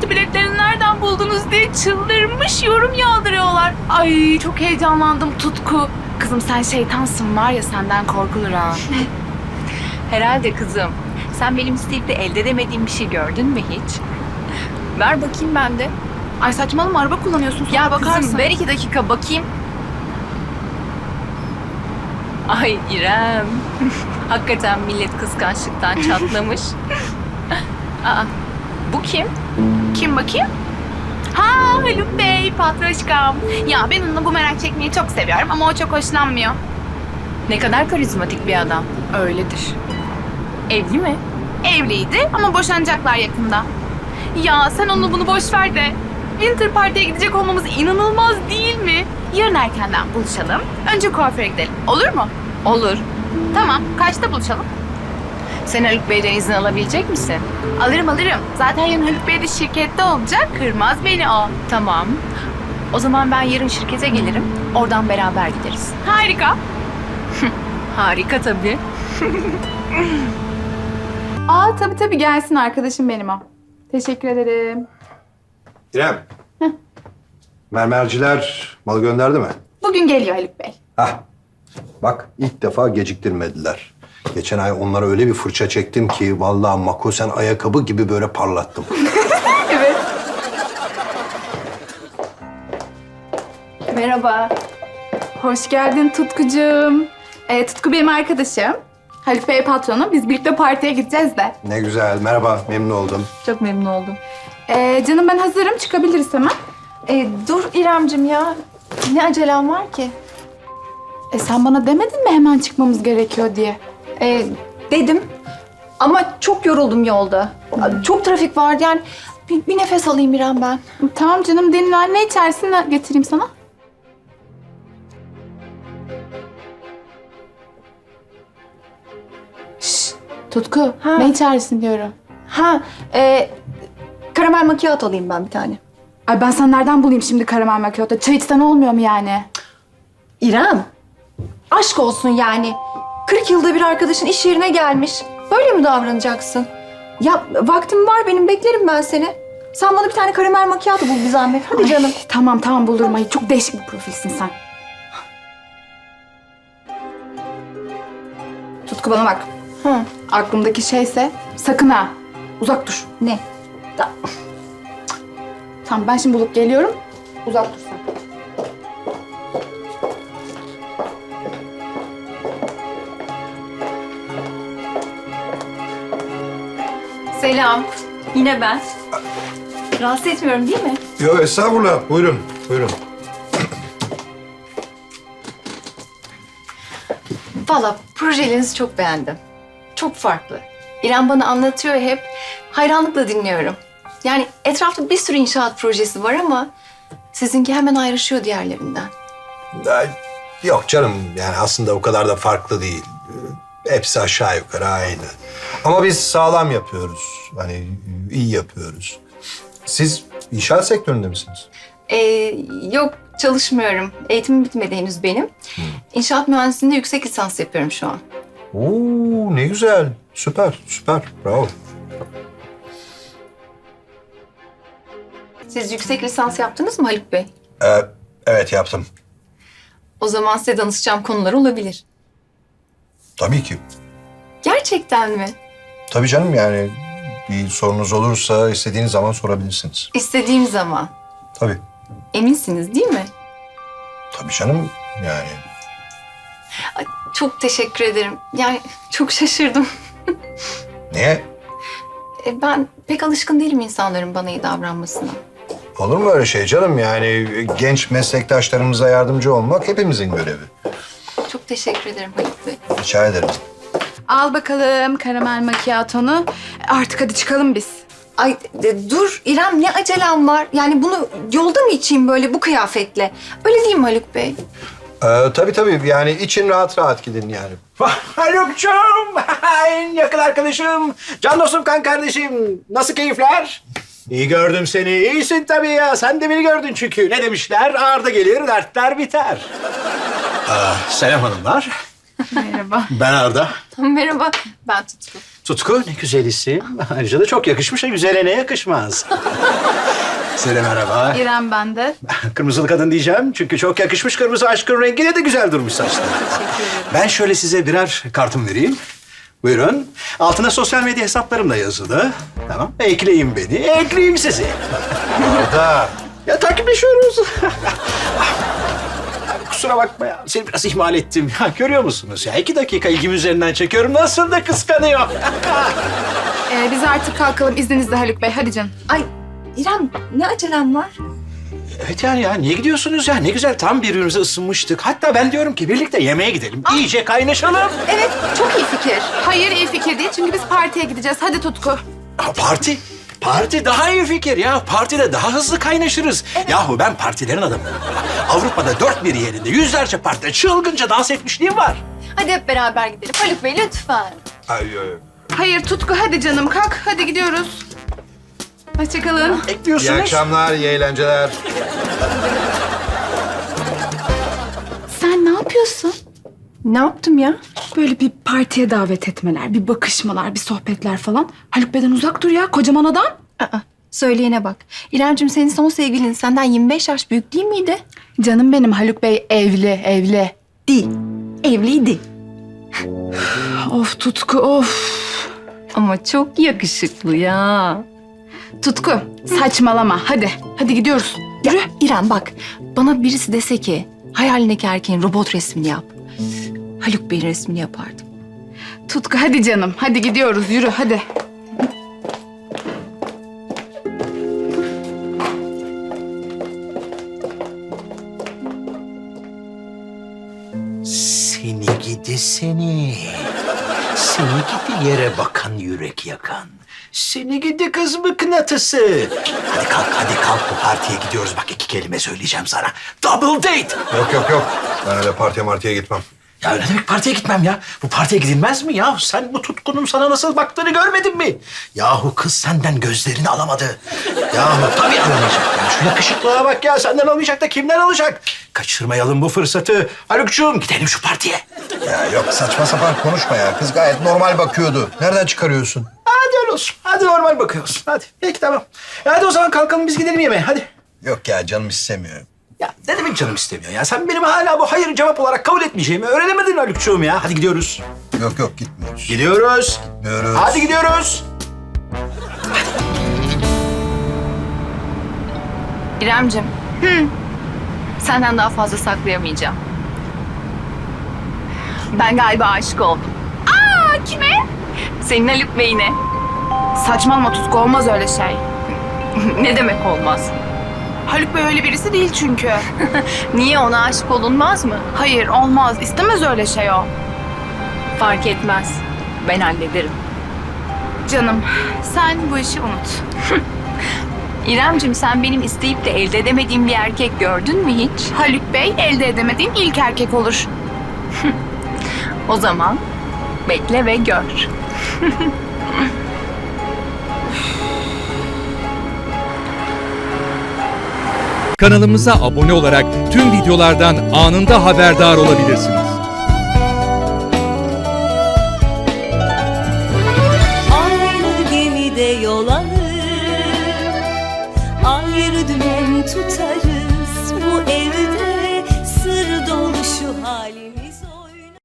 parti biletlerini nereden buldunuz diye çıldırmış yorum yağdırıyorlar. Ay çok heyecanlandım Tutku. Kızım sen şeytansın var ya, senden korkulur ha. Herhalde kızım. Sen benim isteyip de elde edemediğim bir şey gördün mü hiç? Ver bakayım ben de. Ay saçmalama, araba kullanıyorsun sonra Ya bakarsın. kızım ver 2 dakika bakayım. Ay İrem. Hakikaten millet kıskançlıktan çatlamış. Aa, bu kim? Kim bakayım? Ha Haluk Bey, patroşkam. Ya ben onunla bu merak çekmeyi çok seviyorum ama o çok hoşlanmıyor. Ne kadar karizmatik bir adam. Öyledir. Evli mi? Evliydi ama boşanacaklar yakında. Ya sen onu bunu boş ver de Winter Party'ye gidecek olmamız inanılmaz değil mi? Yarın erkenden buluşalım. Önce kuaföre gidelim. Olur mu? Olur. Tamam. Kaçta buluşalım? Sen Haluk Bey'den izin alabilecek misin? Alırım. Zaten yarın Haluk Bey de şirkette olacak. Kırmaz beni o. Tamam. O zaman ben yarın şirkete gelirim. Oradan beraber gideriz. Harika. Harika tabii. Aa tabii gelsin, arkadaşım benim o. Teşekkür ederim. İrem. Mermerciler malı gönderdi mi? Bugün geliyor Haluk Bey. Hah. Bak ilk defa geciktirmediler. Geçen ay onlara öyle bir fırça çektim ki vallahi makosen ayakkabı gibi böyle parlattım. Evet. Merhaba. Hoş geldin Tutkucuğum. Tutku benim arkadaşım. Haluk Bey patronu. Biz birlikte partiye gideceğiz de. Ne güzel. Merhaba. Memnun oldum. Çok memnun oldum. Canım ben hazırım. Çıkabiliriz hemen. Dur İremcim ya. Ne acelem var ki? Sen bana demedin mi hemen çıkmamız gerekiyor diye? Dedim. Ama çok yoruldum yolda. Çok trafik vardı yani. Bir nefes alayım İrem ben. Tamam canım, dinlen. Ne içersin, ne getireyim sana? Şşş, Tutku. Ha. Ne içersin diyorum. Karamel macchiato alayım ben bir tane. Ay ben sana nereden bulayım şimdi karamel macchiato? Çay içsen olmuyor mu yani? İrem. Aşk olsun yani. 40 yılda bir arkadaşın iş yerine gelmiş. Böyle mi davranacaksın? Ya vaktim var benim, beklerim ben seni. Sen bana bir tane karamel macchiato bul bir zahmet. Hadi canım. Tamam bulurum. Ay çok değişik bir profilsin sen. Tutku bana bak. Hı. Aklımdaki şeyse sakın ha. Uzak dur. Ne? Tamam ben şimdi bulup geliyorum. Uzak dur sen. Selam. Yine ben. Rahatsız etmiyorum değil mi? Yok estağfurullah. Buyurun. Buyurun. Valla projelerinizi çok beğendim. Çok farklı. İrem bana anlatıyor hep. Hayranlıkla dinliyorum. Yani etrafta bir sürü inşaat projesi var ama sizinki hemen ayrışıyor diğerlerinden. Ay, yok canım. Yani aslında o kadar da farklı değil. Hepsi aşağı yukarı aynı. Ama biz sağlam yapıyoruz. Hani iyi yapıyoruz. Siz inşaat sektöründe misiniz? Yok çalışmıyorum. Eğitimim bitmedi henüz benim. İnşaat mühendisliğinde yüksek lisans yapıyorum şu an. Oo ne güzel. Süper. Bravo. Siz yüksek lisans yaptınız mı Haluk Bey? Evet yaptım. O zaman size danışacağım konular olabilir. Tabii ki. Gerçekten mi? Tabii canım yani bir sorunuz olursa istediğiniz zaman sorabilirsiniz. İstediğim zaman. Tabii. Eminsiniz değil mi? Tabii canım yani. Ay, çok teşekkür ederim. Yani çok şaşırdım. Niye? Ben pek alışkın değilim insanların bana iyi davranmasına. Olur mu öyle şey canım? Yani genç meslektaşlarımıza yardımcı olmak hepimizin görevi. Çok teşekkür ederim Haluk Bey. Rica ederim. Al bakalım karamel macchiato'nu. Artık hadi çıkalım biz. Ay dur İrem, ne acelem var? Yani bunu yolda mı içeyim böyle bu kıyafetle? Öyle değil mi Haluk Bey? Tabii yani için rahat gidin yani. Haluk'cum, en yakın arkadaşım, can dostum, kan kardeşim. Nasıl keyifler? İyi gördüm seni. İyisin tabii ya. Sen de beni gördün çünkü. Ne demişler? Ağırda gelir, dertler biter. Selam hanımlar. Merhaba. Ben Arda. Merhaba, ben Tutku. Tutku ne güzel isim. Ayrıca da çok yakışmış. Güzele ne yakışmaz. Size de merhaba. İrem ben de. Kırmızılı kadın diyeceğim. Çünkü çok yakışmış kırmızı aşkın rengine de güzel durmuş saçlar. Ben şöyle size birer kartım vereyim. Buyurun. Altına sosyal medya hesaplarım da yazılı. Tamam. Ekleyin beni. Ekleyeyim sizi. Arda. Ya takipleşiyoruz. Abi kusura bakma ya. Seni biraz ihmal ettim. Ya görüyor musunuz ya? 2 dakika ilgim üzerinden çekiyorum. Nasıl da kıskanıyor. Biz artık kalkalım izninizle Haluk Bey. Hadi canım. Ay İrem, ne acelem var? Evet yani ya niye gidiyorsunuz ya? Ne güzel tam birbirimize ısınmıştık. Hatta ben diyorum ki birlikte yemeğe gidelim. İyice kaynaşalım. Evet, çok iyi fikir. Hayır iyi fikir değil çünkü biz partiye gideceğiz. Hadi Tutku. Ha, parti. Parti daha iyi fikir ya. Partide daha hızlı kaynaşırız. Yahu ben partilerin adamıyım. Avrupa'da 4 yerinde yüzlerce partide çılgınca dans etmişliğim var. Hadi hep beraber gidelim. Haluk Bey lütfen. Ay, ay. Hayır Tutku hadi canım kalk. Hadi gidiyoruz. Hoşçakalın. İyi Ekliyorsunuz. akşamlar, iyi eğlenceler. Sen ne yapıyorsun? Ne yaptım ya? Böyle bir partiye davet etmeler, bir bakışmalar, bir sohbetler falan. Haluk Bey'den uzak dur ya kocaman adam. Aa, söyleyene bak. İremciğim senin son sevgilin senden 25 yaş büyük değil miydi? Canım benim Haluk Bey evli. Değil. Evliydi. Of Tutku of. Ama çok yakışıklı ya. Tutku saçmalama hadi. Hadi gidiyoruz. Yürü. İrem bak, bana birisi dese ki hayalindeki erkeğin robot resmini yap. Haluk Bey'in resmini yapardım. Tutku hadi canım. Hadi gidiyoruz yürü hadi. Seni gidi seni. Seni gidi yere bakan yürek yakan. Seni gidi kız mıknatısı. Hadi kalk bu partiye gidiyoruz. Bak 2 kelime söyleyeceğim sana. Double date. Yok. Ben öyle partiye gitmem. Ya ne demek partiye gitmem ya? Bu partiye gidilmez mi ya? Sen bu Tutkunun sana nasıl baktığını görmedin mi? Yahu kız senden gözlerini alamadı. Yahu tabii alamayacak ya. Şu yakışıklığa bak ya. Senden almayacak da kimden alacak? Kaçırmayalım bu fırsatı. Haluk'cuğum gidelim şu partiye. Ya yok saçma sapan konuşma ya. Kız gayet normal bakıyordu. Nereden çıkarıyorsun? Hadi öyle olsun. Hadi normal bakıyorsun. Hadi. Peki tamam. Hadi o zaman kalkalım biz gidelim yemeğe. Hadi. Yok ya canım istemiyor. Ya ne demek canım istemiyor ya? Sen benim hala bu hayır cevap olarak kabul etmeyeceğimi öğrenemedin Haluk'cuğum ya. Hadi gidiyoruz. Yok gitmiyoruz. Gidiyoruz. Gidiyoruz. Hadi gidiyoruz. İremcim. Senden daha fazla saklayamayacağım. Ben galiba aşık oldum. Aa kime? Senin Haluk Bey'ine. Saçmalama Tutku olmaz öyle şey. Ne demek olmaz? Haluk Bey öyle birisi değil çünkü. Niye ona aşık olunmaz mı? Hayır olmaz. İstemez öyle şey o. Fark etmez. Ben hallederim. Canım sen bu işi unut. İremcim sen benim isteyip de elde edemediğim bir erkek gördün mü hiç? Haluk Bey elde edemediğin ilk erkek olur. O zaman bekle ve gör. Kanalımıza abone olarak tüm videolardan anında haberdar olabilirsiniz. Aynı gemide yol alır, ayrı dümen tutarız. Bu evde